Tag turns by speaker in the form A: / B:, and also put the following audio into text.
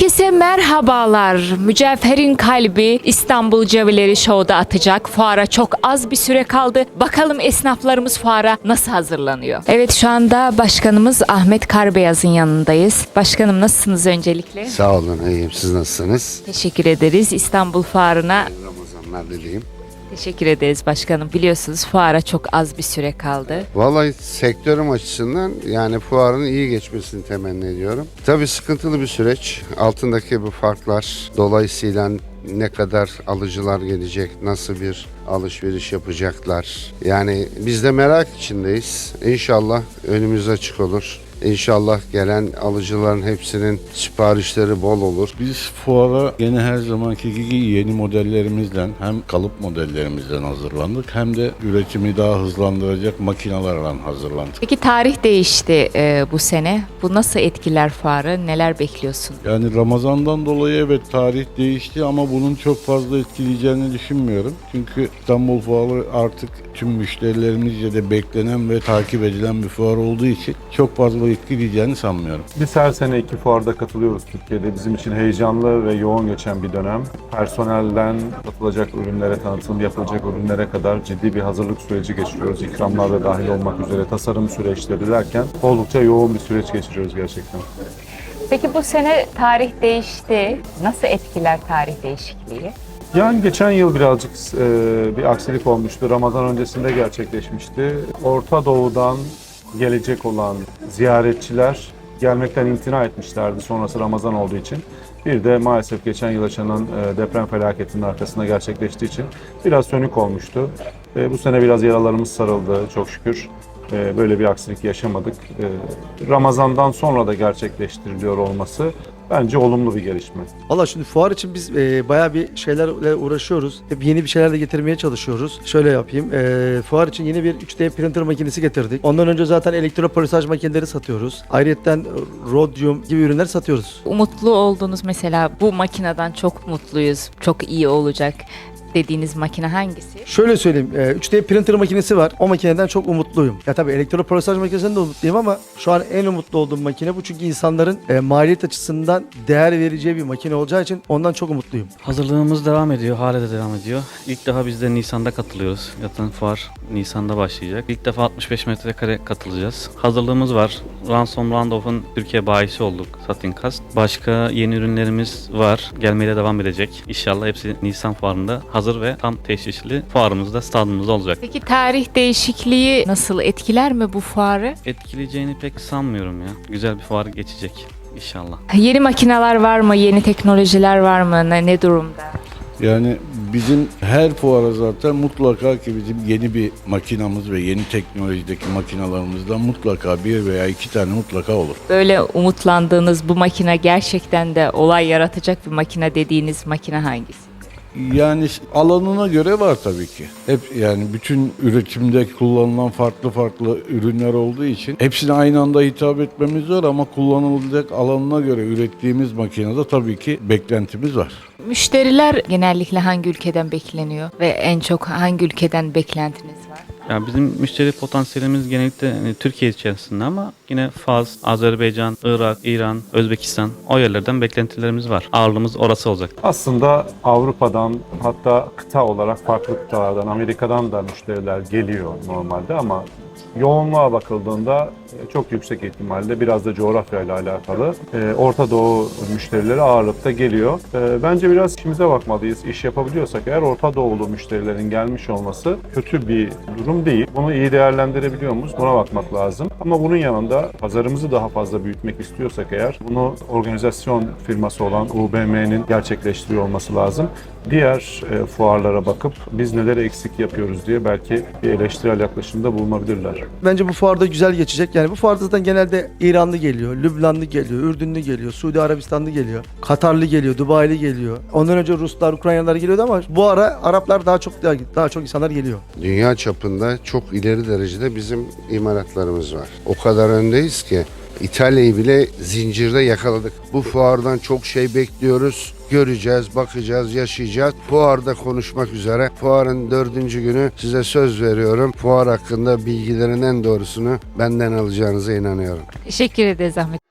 A: Herkese merhabalar. Mücevherin kalbi İstanbul Cevileri Show'da atacak. Fuara çok az bir süre kaldı. Bakalım esnaflarımız fuara nasıl hazırlanıyor? Evet, şu anda başkanımız Ahmet Karbeyaz'ın yanındayız. Başkanım, nasılsınız öncelikle?
B: Sağ olun, iyiyim. Siz nasılsınız?
A: Teşekkür ederiz. İstanbul Fuarı'na
B: Ramazanlar dileyim.
A: teşekkür ederiz başkanım. Biliyorsunuz fuara çok az bir süre kaldı.
B: Vallahi sektörüm açısından yani fuarın iyi geçmesini temenni ediyorum. Tabii sıkıntılı bir süreç. Altındaki bu farklar dolayısıyla ne kadar alıcılar gelecek, nasıl bir alışveriş yapacaklar. Yani biz de merak içindeyiz. İnşallah önümüz açık olur. İnşallah gelen alıcıların hepsinin siparişleri bol olur.
C: Biz fuara gene her zamanki gibi yeni modellerimizle hem kalıp modellerimizden hazırlandık hem de üretimi daha hızlandıracak makinelerle hazırlandık.
A: Peki tarih değişti bu sene. Bu nasıl etkiler fuarı? Neler bekliyorsun?
C: Yani Ramazan'dan dolayı evet tarih değişti ama bunun çok fazla etkileyeceğini düşünmüyorum. Çünkü İstanbul Fuarı artık tüm müşterilerimizce de beklenen ve takip edilen bir fuar olduğu için çok fazla etkileyeceğini sanmıyorum.
D: Biz her sene iki fuarda katılıyoruz Türkiye'de. Bizim için heyecanlı ve yoğun geçen bir dönem. Personelden satılacak ürünlere, tanıtım yapılacak ürünlere kadar ciddi bir hazırlık süreci geçiriyoruz. İkramlar da dahil olmak üzere tasarım süreçleri derken oldukça yoğun bir süreç geçiriyoruz gerçekten.
A: Peki bu sene tarih değişti. Nasıl etkiler tarih değişikliği?
D: Yani geçen yıl birazcık bir aksilik olmuştu. Ramazan öncesinde gerçekleşmişti. Orta Doğu'dan gelecek olan ziyaretçiler gelmekten imtina etmişlerdi sonrası Ramazan olduğu için. Bir de maalesef geçen yıl yaşanan deprem felaketinin arkasında gerçekleştiği için biraz sönük olmuştu. Bu sene biraz yaralarımız sarıldı çok şükür. Böyle bir aksilik yaşamadık. Ramazan'dan sonra da gerçekleştiriliyor olması bence olumlu bir gelişme.
E: Valla şimdi fuar için biz bayağı bir şeylerle uğraşıyoruz. Hep yeni bir şeyler de getirmeye çalışıyoruz. Şöyle yapayım. Fuar için yeni bir 3D printer makinesi getirdik. Ondan önce zaten elektropolisaj makineleri satıyoruz. Ayrıyeten Rhodium gibi ürünler satıyoruz.
A: Umutlu olduğunuz, mesela bu makineden çok mutluyuz, çok iyi olacak dediğiniz makine hangisi?
E: Şöyle söyleyeyim. 3D printer makinesi var. O makineden çok umutluyum. Ya tabii elektropolisaj makinesinden de umutluyum ama şu an en umutlu olduğum makine bu. Çünkü insanların maliyet açısından değer vereceği bir makine olacağı için ondan çok umutluyum.
F: Hazırlığımız devam ediyor, hala da devam ediyor. İlk defa biz de Nisan'da katılıyoruz. Zaten fuar Nisan'da başlayacak. İlk defa 65 metrekare katılacağız. Hazırlığımız var. Ransom Randolph'un Türkiye bayisi olduk, Satinkast. Başka yeni ürünlerimiz var. Gelmeye de devam edecek. İnşallah hepsi Nisan fuarında hazır ve tam teşhisli fuarımızda, stadımızda olacak.
A: Peki tarih değişikliği nasıl etkiler mi bu fuarı?
F: Etkileyeceğini pek sanmıyorum ya. Güzel bir fuar geçecek inşallah.
A: Yeni makineler var mı? Yeni teknolojiler var mı? Ne durumda?
C: Yani bizim her fuara zaten mutlaka ki bizim yeni bir makinamız ve yeni teknolojideki makinalarımızdan mutlaka bir veya iki tane mutlaka olur.
A: Böyle umutlandığınız, bu makine gerçekten de olay yaratacak bir makine dediğiniz makine hangisi?
C: Yani alanına göre var tabii ki. Hep yani bütün üretimde kullanılan farklı farklı ürünler olduğu için hepsine aynı anda hitap etmemiz zor ama kullanılacak alanına göre ürettiğimiz makinede tabii ki beklentimiz var.
A: Müşteriler genellikle hangi ülkeden bekleniyor ve en çok hangi ülkeden beklentiniz var?
F: Yani bizim müşteri potansiyelimiz genellikle Türkiye içerisinde ama yine Fas, Azerbaycan, Irak, İran, Özbekistan o yerlerden beklentilerimiz var. Ağırlığımız orası olacak.
D: Aslında Avrupa'dan, hatta kıta olarak farklı kıtalardan, Amerika'dan da müşteriler geliyor normalde ama yoğunluğa bakıldığında çok yüksek ihtimalle biraz da coğrafyayla alakalı Orta Doğu müşterileri ağırlıkta geliyor. Bence biraz işimize bakmalıyız. İş yapabiliyorsak eğer Orta Doğulu müşterilerin gelmiş olması kötü bir durum değil. Bunu iyi değerlendirebiliyor muyuz? Buna bakmak lazım. Ama bunun yanında pazarımızı daha fazla büyütmek istiyorsak eğer bunu organizasyon firması olan UBM'nin gerçekleştiriyor olması lazım. Diğer fuarlara bakıp biz neleri eksik yapıyoruz diye belki bir eleştirel yaklaşımda bulunabilirler.
E: Bence bu fuarda güzel geçecek. Yani bu fuarda zaten genelde İranlı geliyor, Lübnanlı geliyor, Ürdünlü geliyor, Suudi Arabistanlı geliyor, Katarlı geliyor, Dubai'li geliyor. Ondan önce Ruslar, Ukraynalılar geliyordu ama bu ara Araplar daha çok insanlar geliyor.
B: Dünya çapında çok ileri derecede bizim imalatlarımız var. O kadar öndeyiz ki İtalya'yı bile zincirde yakaladık. Bu fuardan çok şey bekliyoruz. Göreceğiz, bakacağız, yaşayacağız. Fuarda konuşmak üzere. Fuarın 4. günü size söz veriyorum. Fuar hakkında bilgilerin en doğrusunu benden alacağınıza inanıyorum.
A: Teşekkür ederiz Ahmet